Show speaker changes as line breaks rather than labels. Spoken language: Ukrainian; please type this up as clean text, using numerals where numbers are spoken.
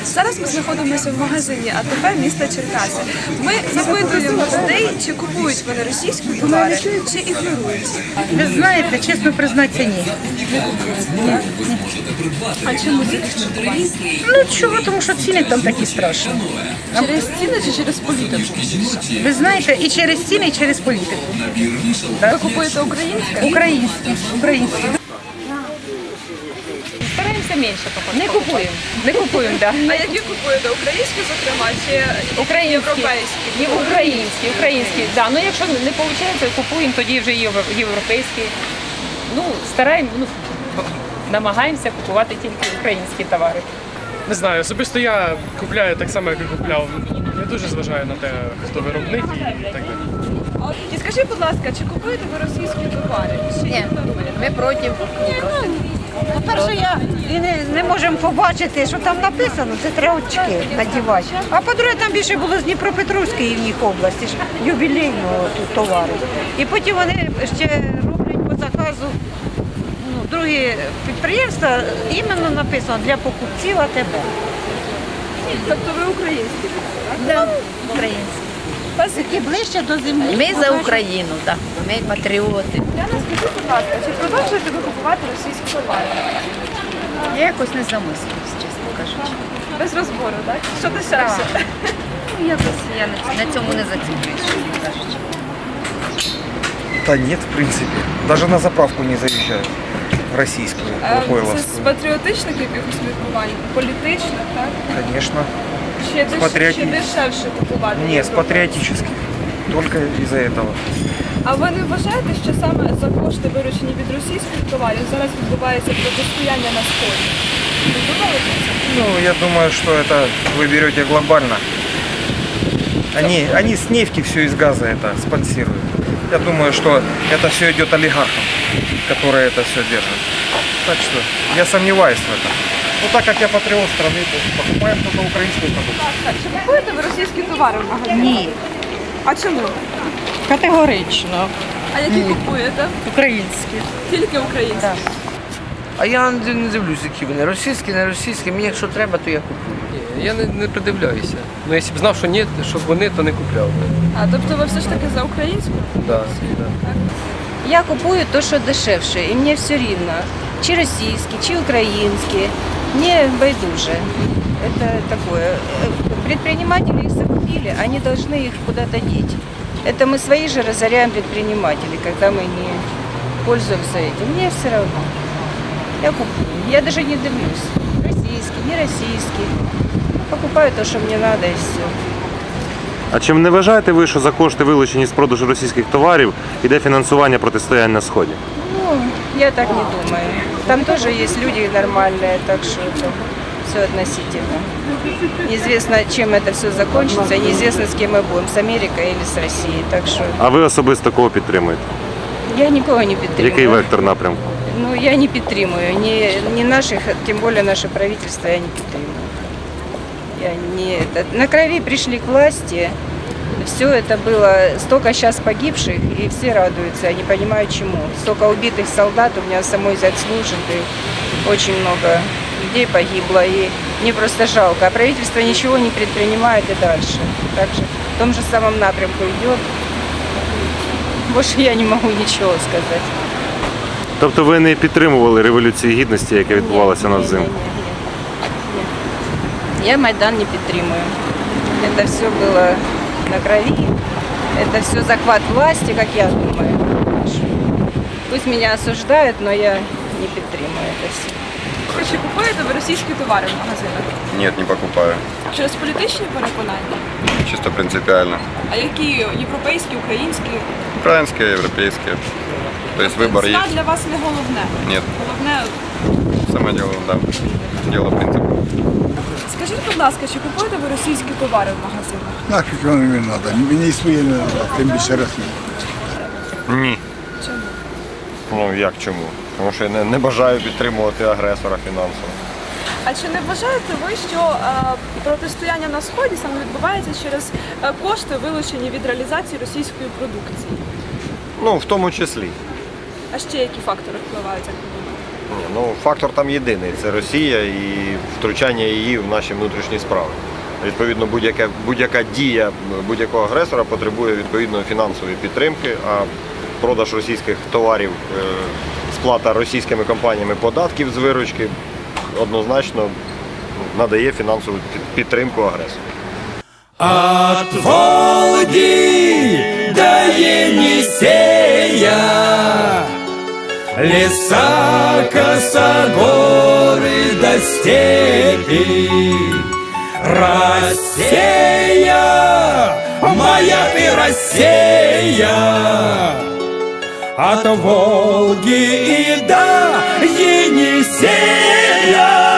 Зараз ми знаходимося в магазині АТП міста Черкаси. Ми запитуємо людей, чи купують вони російські товари, чи ігнорують.
Ви знаєте, чесно признатися, ні.
А чому це ігнорують?
Ну чого, тому що ціни там такі страшні.
Через ціни чи через політику?
Ви знаєте, і через ціни, і через політику.
Ви купуєте українське?
Українські.
Стараємося менше покупати. Не купуємо, так.
А які купуєте? Українські, зокрема, чи європейські?
Українські, так. Ну якщо не виходить, купуємо, тоді вже європейські. Ну, намагаємося купувати тільки українські товари.
Не знаю, особисто я купляю так само, як і купляв. Не дуже зважаю на те, хто виробник і так далі.
І скажіть, будь ласка, чи купуєте ви російські товари?
Ні, ми проти.
По-перше, не можемо побачити, що там написано, це треба очки надівати. А по-друге, там більше було з Дніпропетровської в них області, ж ювілейного тут товару. І потім вони ще роблять по заказу другі підприємства, іменно написано для покупців АТБ.
Тобто ви українські?
Да, українські. Які ближче до землі.
Ми за Україну, так. Ми патріоти.
Яна, скажіть, будь ласка, чи продовжуєте ви купувати російські товари?
Я якось не замислююсь, чесно кажучи.
Без розбору, так? Що дешевше?
Я на цьому не зацікавлюсь, чесно кажучи.
Да нет, в принципе. Даже на заправку не заезжаю. Российскую,
Це з
Лукойловскую.
патріотичних якихось міркувань? Політичних, так?
Конечно.
Чи дешевше купувати?
Не, с
Європу?
патриотических. Только из-за этого.
А ви не вважаєте, що саме за кошти, виручені від російських товарів, зараз відбувається протистояння на Сході? Ви думали про це?
Ну, я думаю, что это вы берете глобально. Они с нефти все из газа это спонсируют. Я думаю, что это все идет олигархам, которые это все держат. Так что я сомневаюсь в этом. Ну, так как я патриот страны, то покупаем только украинскую продукцию.
Так, чи купуєте ви російські товари в магазині?
Ні,
А чому?
категорично.
А які купуєте?
Українські.
Тільки українські?
А я не дивлюсь, які вони. Російські, не російські. Мені якщо треба, то я куплю.
Я не придивляюся. Ну, якщо б знав, що ні, щоб вони, то не купляв би.
А, тобто ви все ж таки за українську?
Да.
Я купую то, що дешевше, і мені все рівно. Чи російські, чи українські. Мені байдуже. Это такое. Предприниматели их закупили, они должны их куда-то деть. Это мы свои же разоряем предпринимателей, когда мы не пользуемся этим. Мне все равно. Я куплю. Я даже не дивлюсь. Российский, не российский. Покупаю то, що мені треба, і все.
А чим не вважаєте ви, що за кошти, вилучені з продажу російських товарів, йде фінансування протистояння на Сході?
Ну, я так не думаю. Там тоже есть люди нормальные, так что это все относительно. Неизвестно, чем это все закончится, неизвестно, с кем мы будем, с Америкой или с Россией. Так что
А ви особисто кого підтримуєте?
я никого не підтримую.
Який вектор напрямку?
Ну, я не підтримую. Ни наших, тем более наше правительство, я не підтримую. Я не, на крови пришли к власти. Все это было, столько сейчас погибших, и все радуются, я не понимаю чему. Столько убитых солдат, у меня самой зять служит, и очень много людей погибло, и мне просто жалко. А правительство ничего не предпринимает и дальше. Также в том же самом напрямку идет. Больше я не могу ничего сказать.
Тобто ви не підтримували Революції Гідності, яка відбувалася на взимку?
Я Майдан не підтримую. Это все было на крови, это все захват власти, как я думаю. Пусть меня осуждают, но я не підтримую это все.
Чи купуєте ви російські товари в магазинах?
Нет, не покупаю.
Через політичні переконання?
Чисто принципиально.
А які європейські, українські?
Украинские, европейские. То есть выбор
Ціна
есть.
для вас не головне?
Нет.
Головне,
Самое дело, да. Дело принципа.
скажіть, будь ласка, чи купуєте ви російські товари в магазинах?
Нафіг воно мені треба, мені своє не треба, тим більше Росії.
Ні.
Чому?
Ну як чому? Тому що я не бажаю підтримувати агресора фінансово.
А чи не вважаєте ви, що протистояння на Сході саме відбувається через кошти, вилучені від реалізації російської продукції?
Ну, в тому числі.
А ще які фактори впливають, як ви думаєте?
Ні, ну, фактор там єдиний – це Росія і втручання її в наші внутрішні справи. Відповідно, будь-яка дія будь-якого агресора потребує відповідної фінансової підтримки, а продаж російських товарів, сплата російськими компаніями податків з виручки однозначно надає фінансову підтримку агресору.
От Волги до Енисея, леса, косогоры до степи, Россия, моя ты Россия, от Волги и до Енисея.